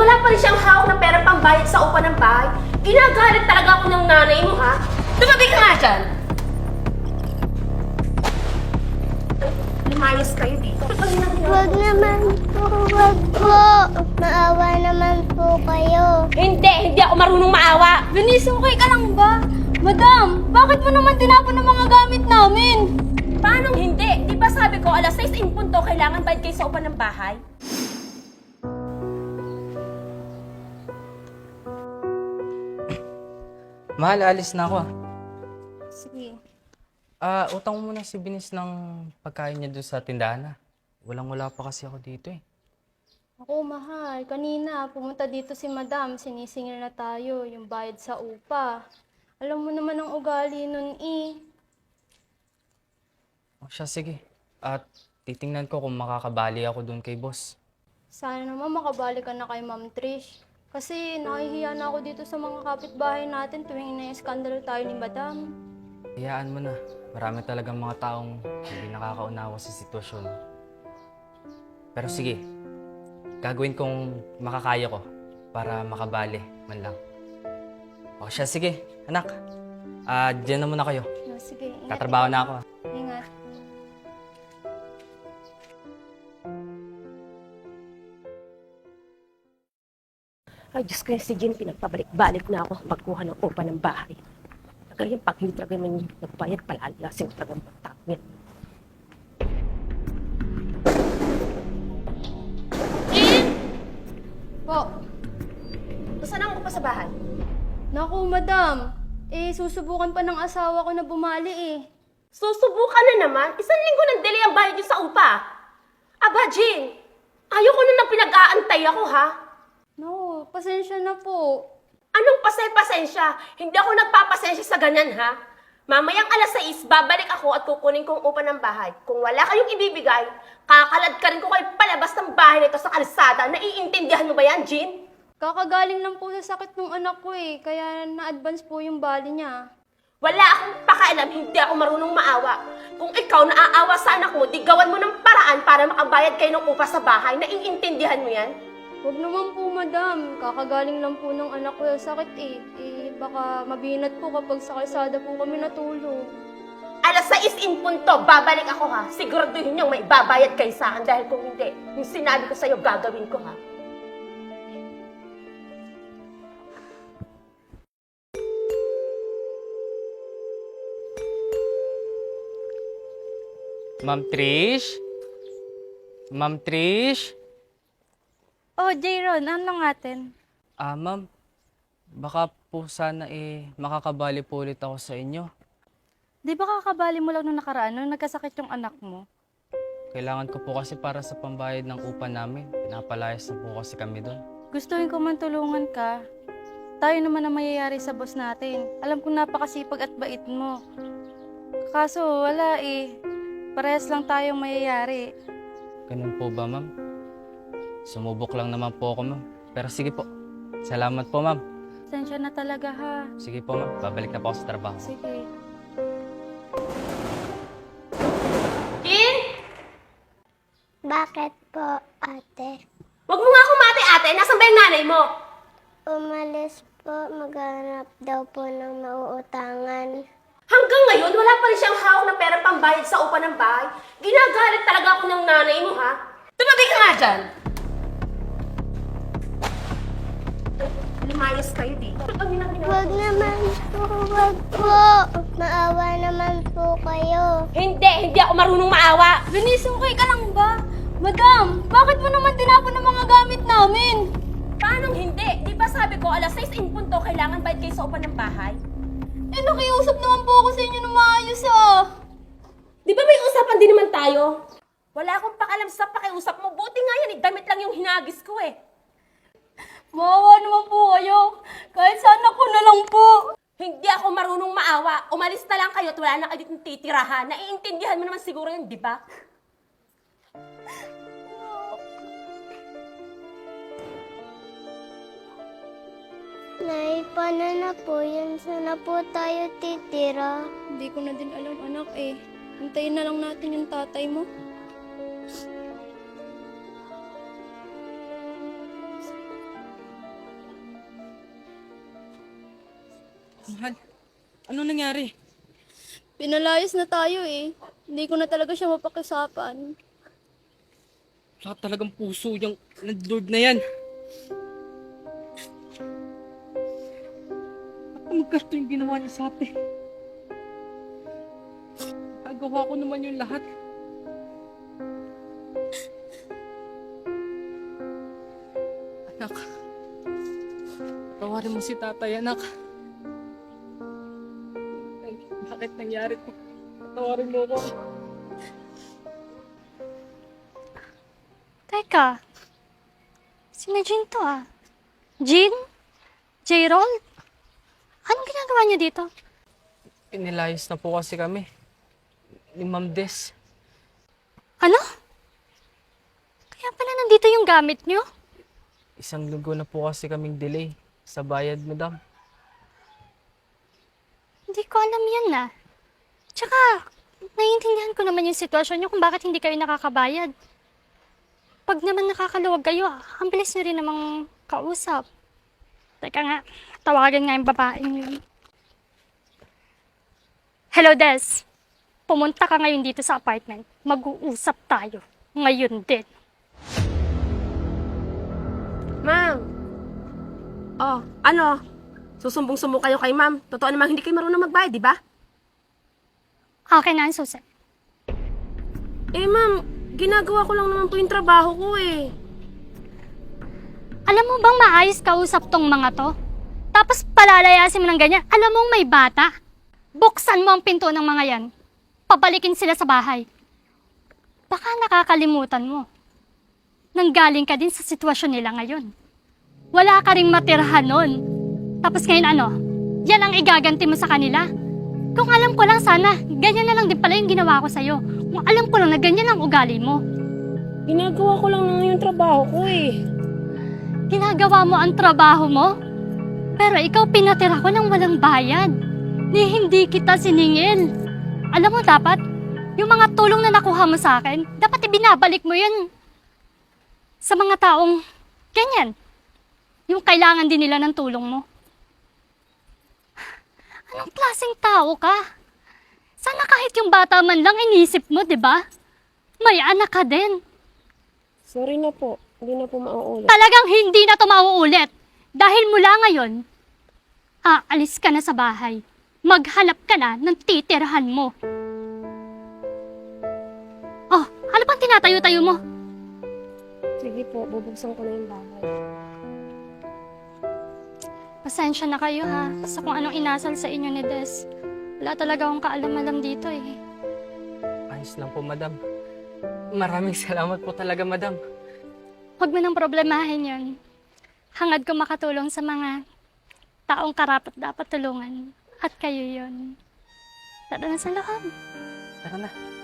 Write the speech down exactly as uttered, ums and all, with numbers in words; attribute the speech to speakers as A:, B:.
A: wala pa rin siyang hawak na pera pambayad sa upa ng bahay. Ginagalit talaga ako ng nanay mo, ha? Tumabi ka nga dyan! Lumayas kayo dito.
B: Wag naman po, wag po. Maawa naman po kayo.
A: Hindi, hindi ako marunong maawa.
C: Venice, okay ka lang ba? Madam, bakit mo naman tinapon ang mga gamit namin?
A: Paano hindi? Di ba sabi ko, alas sais in punto, kailangan bayad kayo sa upa ng bahay?
D: Mahal, alis na ako ah.
C: Sige.
D: Ah, utang mo muna si Binis ng pagkain niya doon sa tindahan ah. Walang-wala pa kasi ako dito eh.
C: Ako, mahal. Kanina, pumunta dito si Madam. Sinisingil na tayo, yung bayad sa upa. Alam mo naman ang ugali nun eh.
D: O siya, sige. At titingnan ko kung makakabali ako doon kay boss.
C: Sana naman makabalik ka na kay Ma'am Trish. Kasi nahihiya na ako dito sa mga kapitbahay natin tuwing na-skandalo tayo ni Madam.
D: Hayaan mo na. Marami talagang mga taong hindi nakakaunawa sa sitwasyon. Pero sige, gagawin kong makakaya ko para makabali man lang. O siya, sige. Anak, ah, dyan na muna kayo.
C: No, sige, ingat.
D: Tatrabaho na ako ah.
C: Ingat.
A: Ay, Diyos ko, si Jean, pinagpabalik-balik na ako magkuha ng upa ng bahay. Kaya pag hindi talaga naman nagbayad, palalasin ko talagang magtawin. Jean!
C: Po,
A: Saan ang upa sa bahay?
C: naku, Madam. Eh, susubukan pa ng asawa ko na bumali eh.
A: Susubukan na naman. Isang linggo ng delay ang bayad niyo sa upa. Aba, Jean, ayoko na nang pinag-aantay ako, ha?
C: No, pasensya na po.
A: Anong pasay-pasensya? Hindi ako nagpapasensya sa ganyan, ha? Mamayang alas sais, babalik ako at kukunin kong upa ng bahay. Kung wala kayong ibibigay, kakalad ka rin ko kayo palabas ng bahay nito sa kalsada. Naiintindihan mo ba yan, Jean?
C: Kakagaling lang po sa sakit ng anak ko eh, kaya na-advance po yung bali niya.
A: Wala akong pakialam, hindi ako marunong maawa. Kung ikaw naaawa sa anak mo, di gawan mo ng paraan para makabayad kayo ng upa sa bahay. Naiintindihan mo yan?
C: Huwag naman po, Madam. Kakagaling lang po ng anak ko sa sakit eh. Eh, baka mabinat po kapag sa kalsada po kami natulog.
A: Alas sais in punto, babalik ako, ha? Siguraduhin niyong may babayad kayo sa akin dahil kung hindi, yung sinabi ko sa'yo, gagawin ko, ha?
D: Ma'am Trish? Ma'am Trish?
C: Oh, Jayron, ano natin?
D: Ah, ma'am, baka po sana eh makakabali po ulit ako sa inyo.
C: Di ba kakabali mo lang nung nakaraan nung nagkasakit yung anak mo?
D: Kailangan ko po kasi para sa pambayad ng upa namin. Pinapalayas na po kasi kami doon.
C: Gustuhin ko man tulungan ka. Tayo naman ang mayayari sa boss natin. Alam kong napakasipag at bait mo. Kaso wala eh. Parehas lang tayong mayayari.
D: Ganun po ba, ma'am? Sumubok lang naman po ako, ma'am. Pero sige po. Salamat po, ma'am.
C: Sensya na talaga ha.
D: Sige po, ma'am. Babalik na po ako sa trabaho.
C: Sige.
A: Jean!
B: Bakit po, ate?
A: Huwag mo nga kumate, ate. Nasaan ba yung nanay mo?
B: Umalis po, maghanap daw po ng mauutangan.
A: Hanggang ngayon, wala pa rin siyang hawak na pera pambayad sa upa ng bahay. Ginagalit talaga ako ng nanay mo, ha? Tumabi ka nga dyan! Lumayas kayo dito.
B: Wag naman po, wag po. Maawa naman po kayo.
A: Hindi, hindi ako marunong maawa.
C: Venice, okay ka lang ba? Madam, bakit mo naman tinapon ang mga gamit namin?
A: Paano hindi? Di ba sabi ko, alas sais in punto, kailangan bayad kayo sa upa ng bahay?
C: Eh, nakiusap naman po ako sa inyo na maayos ah.
A: Di ba may usapan din naman tayo? Wala akong pakalam sa pakiusap mo. Buti nga yan, eh. Damit lang yung hinagis ko eh.
C: Maawa naman po kayo. Kahit sa anak ko na lang po.
A: Hindi ako marunong maawa. Umalis na lang kayo at wala na kayo ditong titirahan. Naiintindihan mo naman siguro yun, di ba?
B: Nay, paano na po yun? Saan na po tayo titira?
C: Hindi ko na din alam, anak eh. Hintayin na lang natin yung tatay mo.
E: Mahal, ano nangyari?
C: Pinalayas na tayo eh. Hindi ko na talaga siya mapakisapan.
E: Wala talagang puso yung landlord na yan. Ba't magkasto yung ginawa niya sa atin? Nagawa ko naman yung lahat. Anak, tawarin mo si tatay, anak. Ay, bakit nangyari to? Tawarin mo ko.
F: Teka, sino Jean to ah? Jean? J-Roll? Anong ginagawa niyo dito?
E: Inilayas na po kasi kami. Ni Ma'am Des.
F: Ano? Kaya pala nandito yung gamit niyo?
E: Isang linggo na po kasi kaming delay sa bayad, madam.
F: Hindi ko alam yan na. Tsaka, naiintindihan ko naman yung sitwasyon niyo kung bakit hindi kayo nakakabayad. Pag naman nakakaluwag kayo, ang bilis niyo rin namang kausap. Teka nga, tawagan nga yung babaeng yun. Hello, Des. Pumunta ka ngayon dito sa apartment. Mag-uusap tayo. Ngayon din.
A: Ma'am. Oh, ano? Susumbong-sumbong kayo kay ma'am. Totoo namang hindi kayo marunong magbayad, di ba?
F: Akin na ang susi.
A: Eh, ma'am, ginagawa ko lang naman po yung trabaho ko eh.
F: Alam mo bang maayos kausap tong mga to? Tapos palalayasin mo ng ganyan. Alam mong may bata. Buksan mo ang pinto ng mga yan. Pabalikin sila sa bahay. Baka nakakalimutan mo. Nanggaling ka din sa sitwasyon nila ngayon. Wala ka ring matirhan nun. Tapos ngayon ano? Yan ang igaganti mo sa kanila. Kung alam ko lang sana, ganyan na lang din pala yung ginawa ko sa'yo. Kung alam ko lang na ganyan ang ugali mo.
A: Ginagawa ko lang naman yung trabaho ko eh.
F: Ginagawa mo ang trabaho mo? Pero ikaw pinatira ko ng walang bayad. Ni hindi kita siningil. Alam mo dapat, yung mga tulong na nakuha mo sa akin, dapat ibinabalik mo yun sa mga taong ganyan. Yung kailangan din nila ng tulong mo. Anong klaseng tao ka? Sana kahit yung bata man lang inisip mo, di ba? May anak ka din.
A: Sorry na po. Hindi na po mauulit.
F: Talagang hindi na to mauulit. Dahil mula ngayon, aalis ka na sa bahay. Maghanap ka na ng titirhan mo. Oh, ano pang tinatayo-tayo mo?
A: Sige po, bubuksan ko na yung bahay.
F: Pasensya na kayo ha, sa kung anong inasal sa inyo ni Des. Wala talaga akong kaalam-alam dito eh.
E: Ayos lang po, madam. Maraming salamat po talaga, madam.
F: Huwag mo nang problemahin yun. Hangad ko makatulong sa mga taong karapat dapat tulungan. At kayo yun. Tara na sa loob.
E: Tara na.